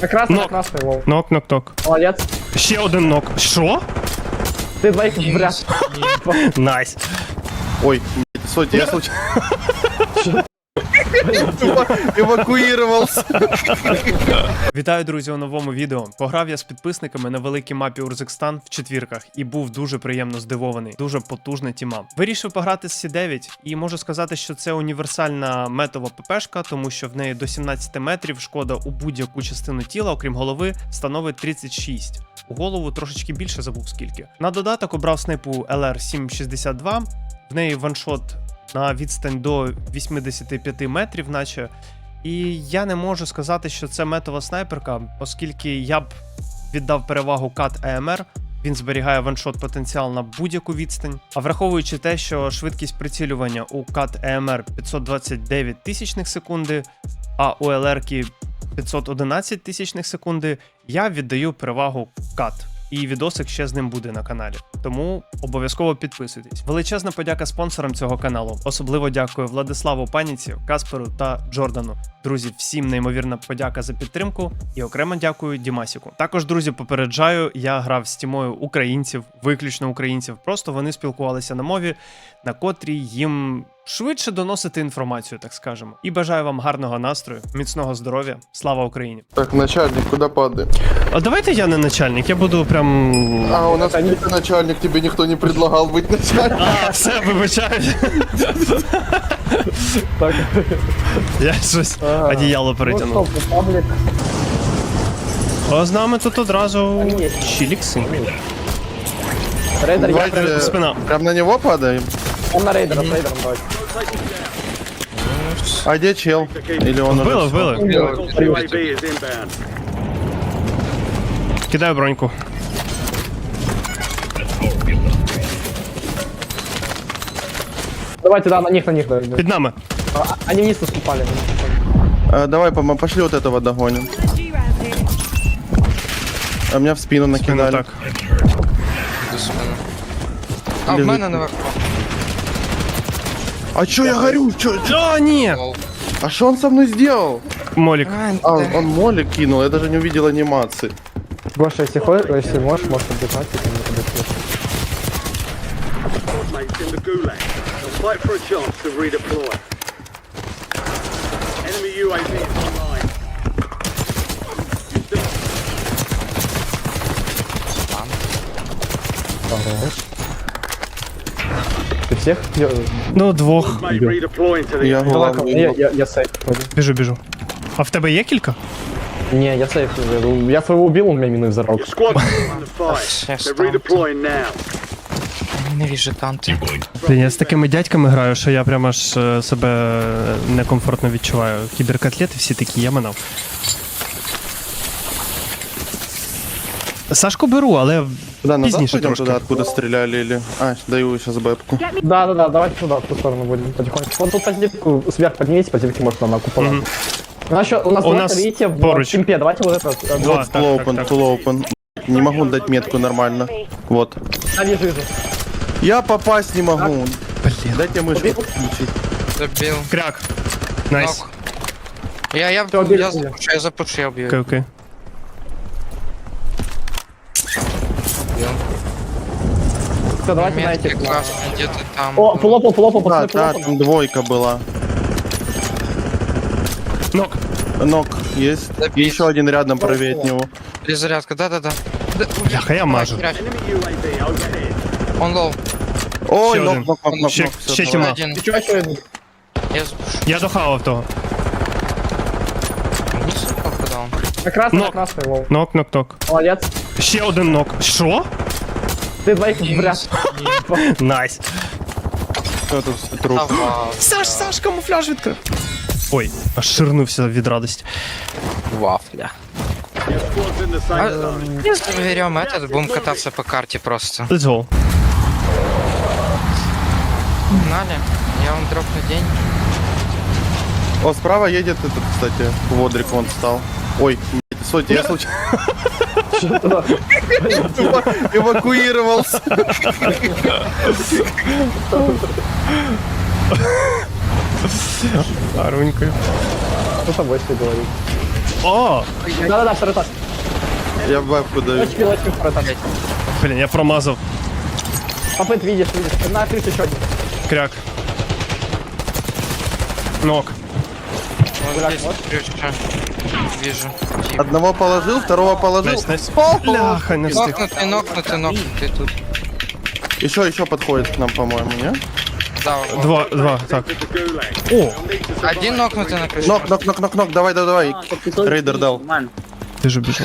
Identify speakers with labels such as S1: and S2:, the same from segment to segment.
S1: На красный, на
S2: Нок.
S1: красный, лол.
S2: Нок.
S1: Молодец.
S2: Ще один нок. Що?
S1: Ты двоих в ряд.
S2: Найс.
S3: Ой, сотня, я случайно евакуировался.
S2: Вітаю, друзі, у новому відео. Пограв я з підписниками на великій мапі Урзикстан в четвірках і був дуже приємно здивований. Дуже потужна тіма. Вирішив пограти з Сі-9 і можу сказати, що це універсальна метова ППшка, тому що в неї до 17 метрів шкода у будь-яку частину тіла, окрім голови, становить 36. У голову трошечки більше, забув скільки. На додаток обрав снайпу LR762, в неї ваншот на відстань до 85 метрів, наче. І я не можу сказати, що це метова снайперка, оскільки я б віддав перевагу кат АМР. Він зберігає ваншот потенціал на будь-яку відстань. А враховуючи те, що швидкість прицілювання у кат АМР 529 тисячних секунди, а у ЛР-ки 511 тисячних секунди, я віддаю перевагу кат. І відосик ще з ним буде на каналі. Тому обов'язково підписуйтесь. Величезна подяка спонсорам цього каналу. Особливо дякую Владиславу Паніці, Касперу та Джордану. Друзі, всім неймовірна подяка за підтримку і окремо дякую Дімасіку. Також, друзі, попереджаю, я грав з тімою українців, виключно українців. Просто вони спілкувалися на мові, на котрій їм швидше доносити інформацію, так скажемо. І бажаю вам гарного настрою, міцного здоров'я. Слава Україні!
S3: Так, начальник, куда падаем?
S2: А давайте я не начальник, я буду прям...
S3: А, у нас ты начальник, тебе никто не предлагал быть начальником.
S2: А, все, вибачаю.
S1: Так.
S2: Я щось одіяло перетягнув.
S1: Ну, стоп, паблик.
S2: А з нами тут одразу чілікси.
S1: Рейдер, я
S3: Давайте
S2: Спина.
S3: прям на него падаем.
S1: Он на рейдера, с рейдером давай.
S3: А где чел? Или он уже...
S2: Вбили.
S4: UAV is inbound.
S2: Кидаю броньку.
S1: Давайте, да, на них, давай.
S2: Під нами.
S1: Они вниз наступали.
S3: Давай, пошли вот этого догоним. А меня в спину
S2: Ну
S3: накидали.
S2: так.
S5: А в
S3: Лежить.
S5: мене наверху.
S3: А чё я горю?
S2: О, ні!
S3: А что он со мной сделал?
S2: Молік.
S3: А, он молик кинул, я даже не увидел анимации.
S1: Гоша, если можешь отдыхать, если не подойти.
S4: Mates in the gulag. They'll fight for a chance to redeploy. Enemy UAV is online.
S1: Хорош. Ты всех?
S2: Ну, двох.
S4: Mate redeploying to the
S3: Я
S1: Давай,
S3: главный.
S1: я сейф.
S2: Біжу. А в тебе є кілька?
S1: Не, я сейф. Я своего убил, он меня миной взорвал.
S4: Your squad is in the fight. They're redeploying now.
S5: Ненавижу танки.
S2: Блін, я з такими дядьками граю, що я прямо аж себе некомфортно відчуваю. Кіберкотлети всі такі, я минав. Сашку беру, але
S3: Куда, назад
S2: пізніше
S3: пойдем
S2: трошки.
S3: туда, откуда стреляли или... А, даю сейчас бэпку.
S1: Да, давайте туда, в ту сторону будем потихоньку. Вон тут позитивку сверх поднимите, позитивки может на купола.
S2: Мгм.
S1: У нас
S2: У нас
S1: видите, в
S2: поруч.
S1: кемпе, давайте вот это.
S2: Два,
S3: Вот
S2: так,
S3: full
S2: так,
S3: open,
S2: так.
S3: full open. Не могу дать метку нормально. Вот.
S1: А, вижу.
S3: Я попасть не могу.
S2: Блін.
S3: Дайте мышку включить.
S5: Забил.
S2: Кряк. Найс.
S5: Нок. Я
S1: Всё, били,
S5: запушу, я убью.
S2: Окей.
S1: Все, давайте на
S5: Метки
S1: этих.
S5: красные, где-то там.
S1: О, пулопал,
S3: Да,
S1: пацаны,
S3: да,
S1: пулопал.
S3: там двойка была.
S2: Нок.
S3: Ног есть. И еще один рядом правее от него.
S5: Перезарядка, да-да-да.
S2: Бляха, я мажу.
S4: Enemy UAV overhead.
S5: Он лоу.
S3: Ой,
S2: Ще
S3: ног,
S2: один.
S3: ног, ног, ног,
S2: Ще-
S3: ног, всё,
S2: ще
S3: давай.
S2: тьма.
S5: Один.
S1: Ты чё, еще один?
S5: Я запушу.
S2: Я дохавав того.
S5: Вниз попадал.
S1: На красный,
S2: Нок.
S1: на красный, лол.
S2: Нок.
S1: Молодец.
S2: Ще один нок. Що?
S1: Ты двоих в ряд.
S2: Найс.
S3: Всё, тут все труп.
S2: Саш, камуфляж відкрив. Ой, аж ширнувся від радості.
S5: Вафля.
S4: Your squad's in the safe zone.
S5: Если берем этот, будем кататься по карте просто.
S2: Let's go.
S5: Погнали. Я вам дропну день.
S3: О, справа едет этот, кстати, Водрик вон встал. Ой, блядь, сотня, я случайно евакуировался.
S2: Гарненько.
S1: Что с тобой все говорит?
S2: О!
S1: Да-да-да, второй этаж.
S3: Я в бэпку даю.
S1: Лочки, второй этаж.
S2: Блін, я промазав.
S1: Попыт, видишь. На крыше еще один.
S2: Кряк. Нок.
S5: Вот здесь крышка. Вижу. Тип.
S3: Одного положил, второго положил.
S2: Найс, найс. Бляха, не встиг.
S5: Нокнутый тут.
S3: Еще подходит к нам, по-моему, не?
S5: Да, вот.
S2: Два, так.
S4: The gulag.
S2: О,
S5: Один нокнутый на крыше.
S3: Нок, давай. Рейдер дал.
S2: ти ж біжав.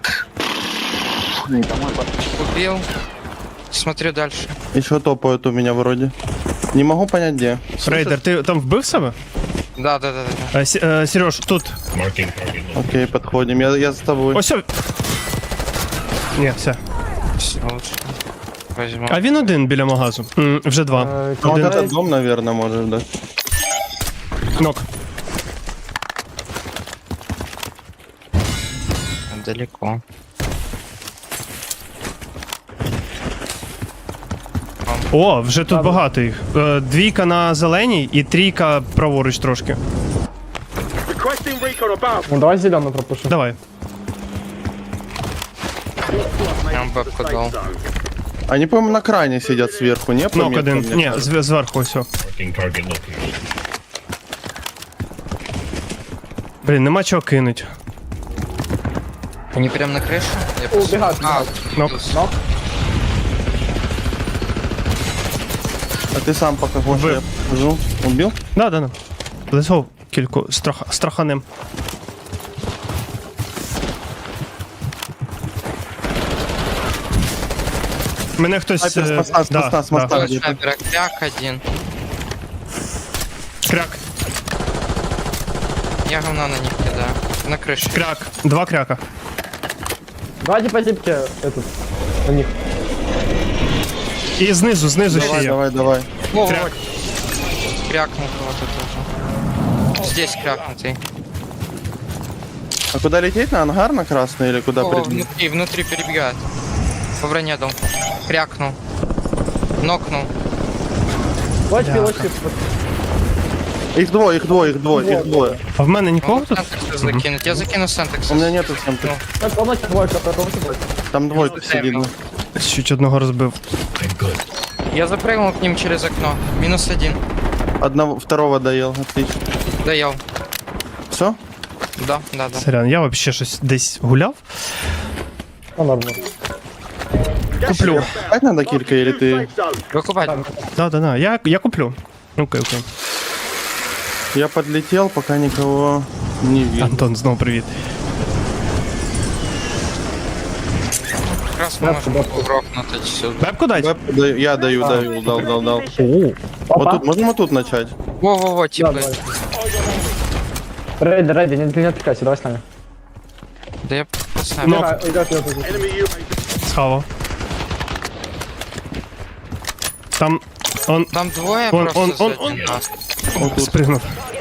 S5: Убил. Смотрю дальше.
S3: Еще топают у меня вроде. Не могу понять где.
S2: Рейдер, ти там вбив себе?
S5: Да.
S2: Сереж, тут.
S3: Окей, подходим. Я с тобой.
S2: Ось. Ні, все.
S5: Все лучше. Возьму.
S2: А він один біля магазу. Вже два.
S3: Ну, вот
S2: Один
S3: этот дом, наверное, может, да.
S2: нок.
S5: Далеко.
S2: О, вже тут багато їх. Двійка на зеленій і трійка праворуч трошки.
S4: Requesting recon above.
S1: Ну давай зеленую пропушим.
S2: Давай.
S5: Я вам бэпку дал.
S3: Они, по-моему, на крайне сидят сверху, не? По
S2: Нок
S3: меткам,
S2: один.
S3: мне
S2: Ні,
S3: кажется.
S2: зверху ось. Блін, нема чого кинуть.
S5: Они прям на крыше? Я
S1: О, убегают.
S2: Нок.
S1: Нок.
S3: А ты сам пока хочешь,
S2: Убил.
S3: я покажу. Убил?
S2: Да. Лисов кільку страханем. Мене хтось...
S3: Снайпер с моста, с моста.
S2: да.
S3: где-то.
S5: Снайпера кряк один.
S2: Кряк,
S5: Я говна на них кидаю. На крыше.
S2: кряк. Два кряка.
S1: Давайте по зипке этот. У них.
S2: І знизу ще є.
S3: Давай.
S5: О,
S2: Кряк.
S5: вот. Крякнул кого-то тоже. Здесь крякнутый.
S3: А куда лететь? На ангар на красный или куда
S5: О,
S3: прибить?
S5: внутри перебегает. По броне дал. Крякнул. Нокнул.
S1: Лочки.
S3: Их двое.
S2: А в мене нікого
S5: Могу
S2: тут?
S5: сентекса закинуть. Я закину сентекс.
S3: У меня нету сэмпли.
S1: Полностью двойка, полностью двойка.
S3: Там двойка сидит. да.
S2: Чуть одного розбив.
S5: Я запрыгнул к ним через окно. Минус один.
S3: Второго доел, отлично.
S5: Доел.
S3: Все?
S5: Да.
S2: Сорян, я вообще щось десь гуляв.
S1: Ну нормально.
S2: Куплю.
S3: Опять надо килька или ты?
S4: Safe zone.
S5: Выкупать.
S2: Да. Я куплю. Окей.
S3: Я подлетел, пока никого не видел.
S2: Антон, знову привіт.
S5: Как раз мы можем грохнуть отсюда.
S2: Бебку дать?
S3: Я даю, дал.
S2: О,
S3: Вот тут, можем вот тут начать?
S5: Во,
S1: Да,
S5: типа.
S1: давай. Рейди, не отвлекайся, давай с нами.
S5: Да я поставлю.
S2: Ну.
S1: Идет.
S4: Enemy UAV.
S2: схава. Там он
S5: Там двое
S2: Он-
S5: просто
S2: он-
S5: за один раз.
S2: спригнув.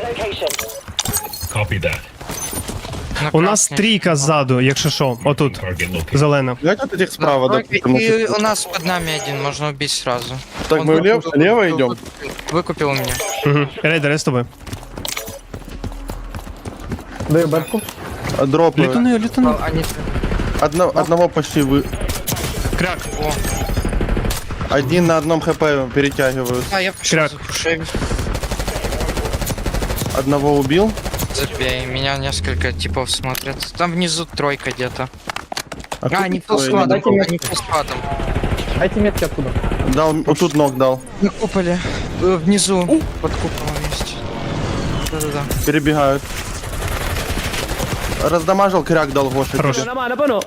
S5: На
S2: У нас
S5: красный.
S2: трійка ззаду, якщо що. Отут. Зелена.
S3: Давайте вот этих справа, да,
S5: Тройка,
S3: потому
S5: и
S3: что...
S5: у нас под нами один, можно убить сразу.
S3: Так,
S5: Он
S3: мы
S5: выкупил-
S3: влево идем?
S5: Выкупил меня.
S2: Угу. Рейдер, я з тобою.
S1: Даю бэбку.
S3: Дроп.
S2: Літуни.
S5: Они...
S3: Одного почти вы...
S2: Кряк.
S5: О,
S3: Один на одном хп перетягивают.
S5: а я пошел
S2: Кряк.
S5: запушил.
S3: Одного убил.
S5: Забей, меня несколько типов смотрят. Там внизу тройка где-то.
S3: кто
S5: А, не
S3: такой?
S5: фул складом,
S1: Дайте мне-
S5: они фул складом.
S1: Дайте метки оттуда.
S3: Дал, вот тут ног дал.
S5: На куполе. Внизу. Под куполом есть. Да.
S3: Перебегают. Раздамажил, кряк дал Гоша.
S2: Хорош.
S3: тебе.
S4: Incoming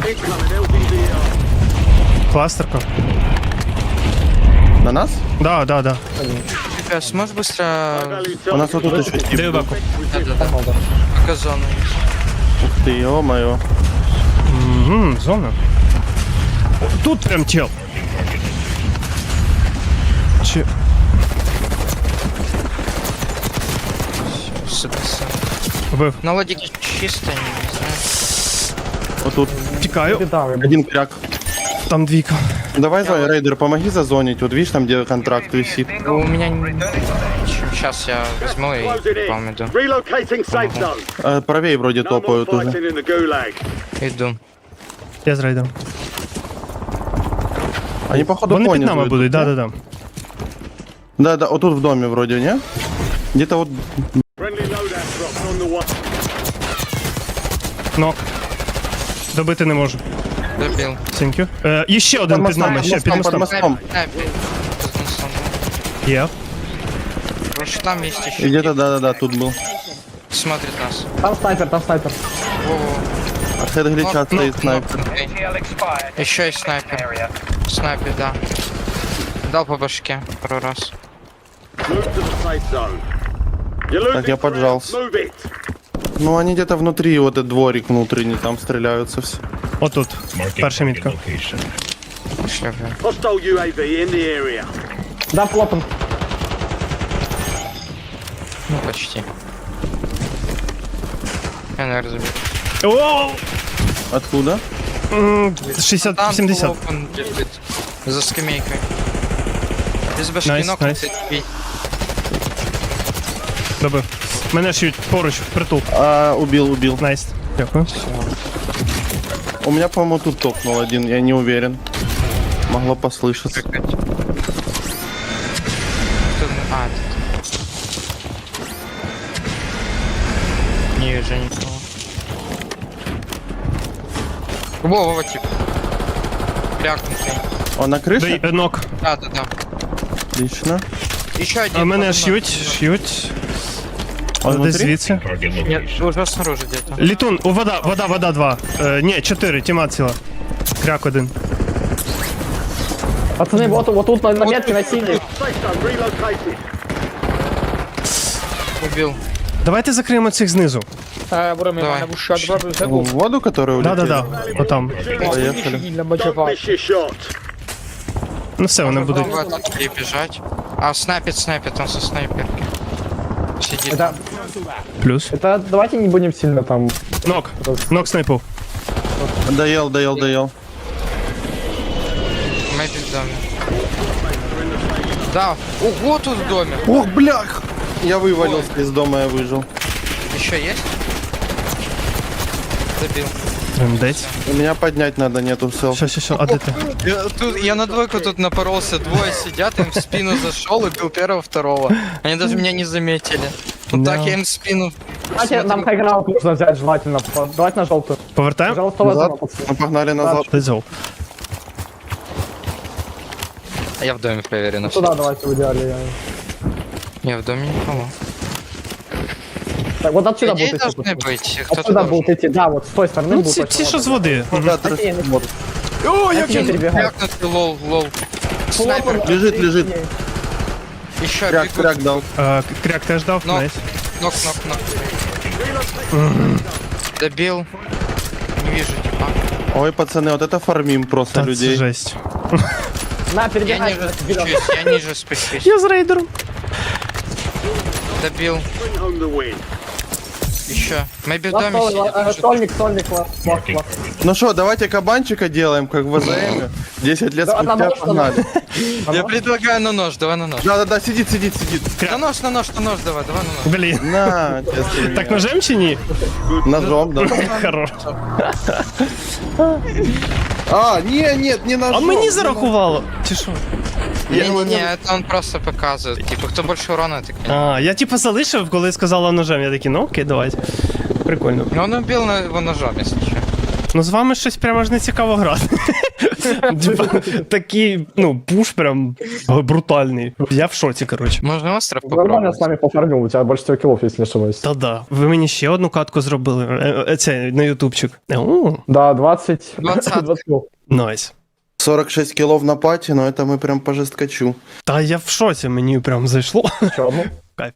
S4: LVDR.
S2: Кластерка.
S3: На нас?
S2: Да.
S5: Ребят, сможешь быстро...
S3: У нас вот тут еще тип.
S2: Даю бебку.
S5: Да. Пока зону есть.
S3: Ты, ё-моё.
S2: Угу, зона. Тут прям чел. Че?
S5: Сыпется.
S2: Вбив.
S5: На лодике чисто, не знаю.
S3: Вот тут.
S2: Тікаю.
S1: Да,
S3: Один кряк.
S2: Там двійка.
S3: Давай, Рейдер, помоги зазонить. Вот видишь, там где контракт висит.
S5: У меня... Сейчас я возьму и
S4: Closing
S5: к вам
S4: in.
S5: иду.
S4: Relocating safe zone.
S3: Правее вроде
S4: No more
S3: топают уже.
S4: fighting in the gulag.
S5: Иду.
S2: Я з рейдером.
S3: Они походу
S2: Вони під
S3: понизу
S2: нами
S3: идут,
S2: будуть,
S3: не?
S2: да-да-да.
S3: Да, вот тут в доме вроде, не? Где-то вот...
S4: Friendly loadout drops on the way.
S2: Нок. Добити не можу.
S5: Добил.
S2: Thank you. І ще один під нами, ще під
S3: под
S2: мостом.
S3: мостом.
S5: Снайпер. Под мостом, да.
S2: Є.
S5: Потому что там есть еще.
S3: И где-то, да-да-да, тут был.
S5: Смотрит нас.
S1: Там снайпер, там снайпер.
S5: Во-во.
S3: А хед глича стоит снайпер.
S5: Еще есть снайпер. Снайпер, да. Дал по башке пару раз.
S4: Move to the safe zone. You're losing
S3: Так, я
S4: ground.
S3: поджался.
S4: Move it.
S3: Ну, они где-то внутри, вот этот дворик внутренний, там стреляются все.
S2: Отут. Перша мітка.
S5: Шляпы.
S4: Hostile UAV in the area.
S1: Да, плотом.
S5: Ну, почти. Я, наверное, забил.
S2: Оу!
S3: Откуда?
S2: 60-70.
S5: Там open лежит. За скамейкой. Без башки
S2: Найс,
S5: ног
S2: найс.
S5: бить.
S2: Добив. Мене шьють поруч, впритул.
S3: Убил.
S2: Найс. Дякую.
S3: У меня, по-моему, тут топнул один, я не уверен. Могло послышаться.
S5: Тут- А, тут. Не вижу никого. Во, тип. Крякнутый.
S3: Он на крыше?
S2: Нок.
S5: Да.
S3: Отлично.
S5: Еще один.
S2: А мене
S5: под мной.
S2: шьють.
S3: Он
S2: Десь
S3: внутри?
S2: звідси.
S5: Нет, уже снаружи где-то.
S2: Літун, вода 2. Ні, 4, тіма ціла. Кряк 1.
S1: Пацаны, вот тут на метке на синей.
S4: Safe zone relocated.
S5: Убил.
S2: Давайте закриємо цих знизу.
S5: Давай.
S3: В воду, которая улетела?
S2: Да-да-да. Отам.
S3: Поехали.
S4: Don't miss your shot.
S2: Ну все, вони будуть.
S5: Вот и бежать. А снайпит, он со снайперки. Сидит.
S1: Это,
S2: Плюс.
S1: это давайте не будем сильно там.
S2: Нок снайпов.
S3: Доел.
S5: Мэйби в доме. Да. Ого, тут в доме.
S3: Ох, блях! Я вывалился из дома, я выжил.
S5: Еще есть? Забил.
S2: Трендець.
S3: У меня поднять надо, нету сел.
S2: Що, а де ти?
S5: Я на двойку тут напоролся, двое сидят, им в спину зашел, убил первого, второго. Они даже меня не заметили. Вот так
S2: Да.
S5: я им в спину.
S1: Давайте нам хайграунд нужно взять желательно. Давайте на желтую.
S2: Повертаємо?
S1: Пожалуйста,
S3: Назад.
S1: возьмем, пацаны.
S3: Мы погнали назад.
S2: Let's go.
S5: Я в доме проверю на
S1: Туда давайте в идеале.
S5: Я в доме никого.
S1: Так, вот отсюда
S5: Людей
S1: будут идти.
S5: должны
S1: пацаны.
S5: быть. Кто-то
S1: Отсюда
S5: должен.
S1: будут идти, да, вот с той стороны
S2: Ну,
S1: будут.
S2: ці що з води.
S3: Да, тряс-
S1: Окей,
S3: вот.
S1: Они перебегают.
S5: Крякнутый, лол. Снайпер.
S3: Лежит.
S5: Еще
S3: Кряк дал.
S2: Кряк теж дав,
S5: Нок.
S2: найс.
S5: Нок. Добил. Не вижу типа.
S3: Ой, пацаны, вот это фармим просто
S2: Та це
S3: людей.
S2: жесть.
S1: На,
S5: Я
S1: перебегай.
S5: ниже спущусь, я ниже спущусь.
S2: Я з рейдером.
S5: Добил.
S4: Bring home the win.
S5: Еще. Мэйби в доме сидит.
S1: Стольник, ласт.
S3: Ну что, давайте кабанчика делаем, как в АЗМ. 10 лет
S1: Да,
S3: спустя
S1: одного,
S3: погнали.
S5: Я предлагаю на нож, давай на нож.
S3: Да, сидит.
S5: На нож, давай на нож.
S2: Блін.
S3: На, честно
S2: Так
S3: меня.
S2: ножем чи ні?
S3: Ножом, да.
S2: Хорош.
S3: Нет, не ножом.
S2: А мені зарахувало. Чи що?
S5: Не, это он просто показывает. Типа, кто больше урона, так не.
S2: Я типу залишив, коли сказала ножем. Я такий, ну окей, давайте. Прикольно.
S5: Но он убил его ножом, если что.
S2: Ну з вами щось прямо аж не цікаво грати. Типа, такий, пуш прям брутальний. Я в шоці, коротше.
S5: Можно остров
S1: Нормально
S5: попробовать?
S1: с нами пофармил, у тебя больше 4 киллов, если не ошибаюсь.
S2: Та-да. Ви мені ще одну катку зробили. Це на ютубчик.
S1: Да, 20.
S5: 20.
S1: 20 килл.
S2: Найс.
S3: 46 килов на пати, но это мы прям по жесткачу.
S2: Та я в шоці, мені прям зайшло.
S1: Чё, ну?
S2: Кайф.